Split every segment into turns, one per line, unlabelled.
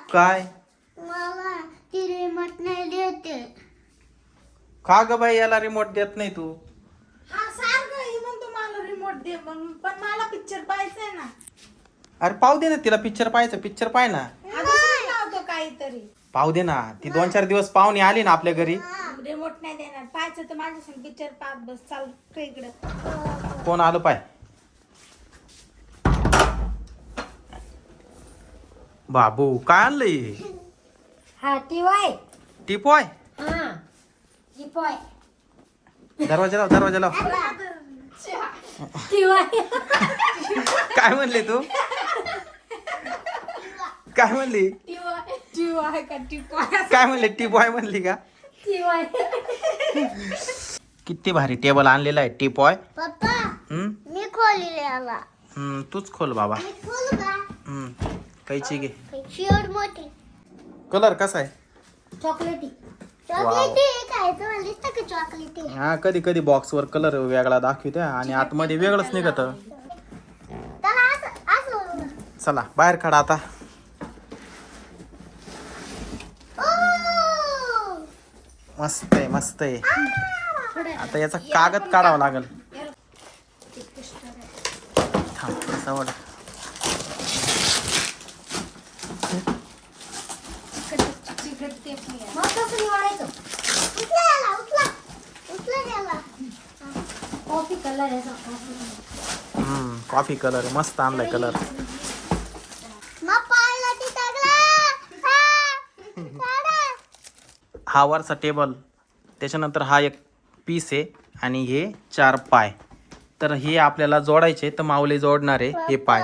काय
मला ती रिमोट नाही देते.
का ग बाई याला रिमोट देत नाही तू?
हा सारखं ही म्हणतो मला रिमोट दे म्हणून, पण मला पिक्चर पाहायचंय ना.
अरे पाहू दे ना तिला, पिक्चर पाहायचं, पिक्चर पाय ना.
आता लावतो काहीतरी.
पाहू दे ना, ती 2-4 दिवस पाहुणे आली ना आपल्या घरी.
रिमोट नाही देणार. पाहायचं तर माझ्या संग पिक्चर पाहत बस. चाल इकडं.
कोण आलं पाय. बाबू काय आणलंय?
हा टीवाय.
टिपॉय.
हा टीवाय.
दरवाजा लाव, दरवाजा लाव.
टीवाय.
काय म्हणली तू? काय म्हणली?
टिवाय का टिपाय?
काय म्हणली? टिपॉय म्हणली का?
टीवाय.
किती भारी टेबल आणलेला आहे टिपॉय.
पप्पा
हम्म
मी खोलले आला.
तूच खोल बाबा.
मी खोलू का?
कैची घे.
शेवट मोठी.
कलर कसा आहे?
चॉकलेटी. चॉकलेटी काय तुम्हाला दिसतं का चॉकलेटी?
हा कधी कधी बॉक्स वर कलर वेगळा दाखवते आणि आतमध्ये वेगळंच निघत.
त्याला असं असं.
चला बाहेर काढा आता.
ओ!
मस्त आहे, मस्त आहे. आता याचा कागद काढावा लागेल. थांब, असा वळ.
मग कसं निवडायचं? उचला याला, उचला. उचला याला. कॉफी कलर आहे
कॉफी कलर मस्त आणलाय कलर.
मग पायला ती टाकला.
हा वरचा टेबल, त्याच्यानंतर हा एक पीस आहे आणि हे 4 पाय. तर हे आपल्याला जोडायचे, तर माऊली जोडणार आहे हे पाय.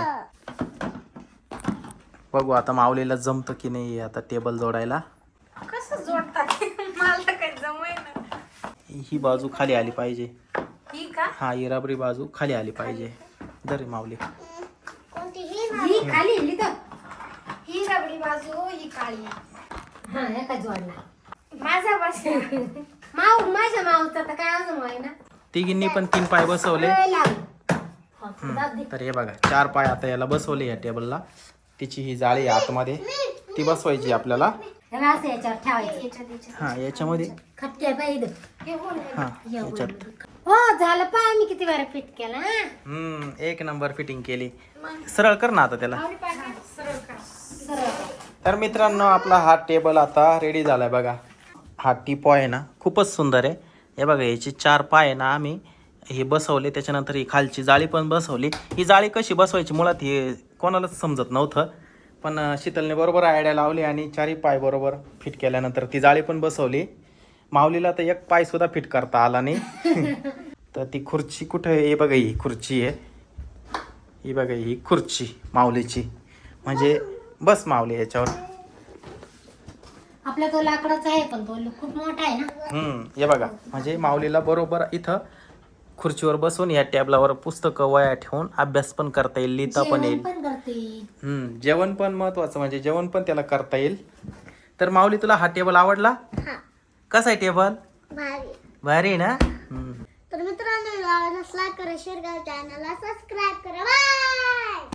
बघू आता माऊलीला जमतं की नाही आता टेबल जोडायला.
कसं जोडतात? मला काही जमय ना.
ही बाजू खाली आली पाहिजे.
ही का?
हा ही रबरी बाजू खाली आली पाहिजे. दर माऊली.
कोणती ही ना?
ही खाली लिहितं.
ही रबडी बाजू, ही काळी.
हा एका जोडला.
माझा बसला.
माझ्या माऊचा तर काय अजून आहे ना.
तिघींनी पण 3 पाय बसवले.
वेळ लागेल. हा, दाब दे.
तर हे बघा 4 पाय आता याला बसवले या टेबलला. तिची ही जाळी आहे आतमध्ये, ती बसवायची आपल्याला.
त्याला असं याच्यावर ठेवायचं.
हा याच्यामध्ये.
खटक्या पाहिजे.
हा याच्यात.
हो झालं पा आम्ही किती वेळा फिट केला.
एक नंबर फिटिंग केली. सरळ कर ना आता त्याला. तर मित्रांनो आपला हा टेबल आता रेडी झालाय बघा. हा टिपॉय आहे ना खूपच सुंदर आहे. हे बघा याचे 4 पाय आहे ना आम्ही हे बसवले. त्याच्यानंतर ही खालची जाळी पण बसवली. ही जाळी कशी बसवायची मुळात हे कोणालाच समजत नव्हतं, पण शीतलने बरोबर आयडिया लावली आणि 4ही पाय बरोबर फिट केल्यानंतर ती जाळी पण बसवली. माऊलीला तर एक पाय सुद्धा फिट करता आला नाही. तर ती खुर्ची कुठे आहे? हे बघा ही खुर्ची आहे. ही बघा ही खुर्ची माऊलीची. म्हणजे बस माऊली याच्यावर.
आपला तो लाकडाचा आहे पण तो खूप मोठा आहे ना.
हे बघा म्हणजे माऊलीला बरोबर इथं खुर्चीवर बसून या टेबलावर पुस्तकं वया ठेवून अभ्यास पण करता येईल, लिहिता पण येईल.
पण करते.
जेवण पण महत्वाचं, म्हणजे जेवण पण त्याला करता येईल. तर माऊली तुला हा टेबल आवडला? कसा आहे टेबल?
भारी.
भारी आहे ना.
तर मित्रांनो, लाईक करा, शेअर करा, चॅनलला सबस्क्राईब करा. बाय.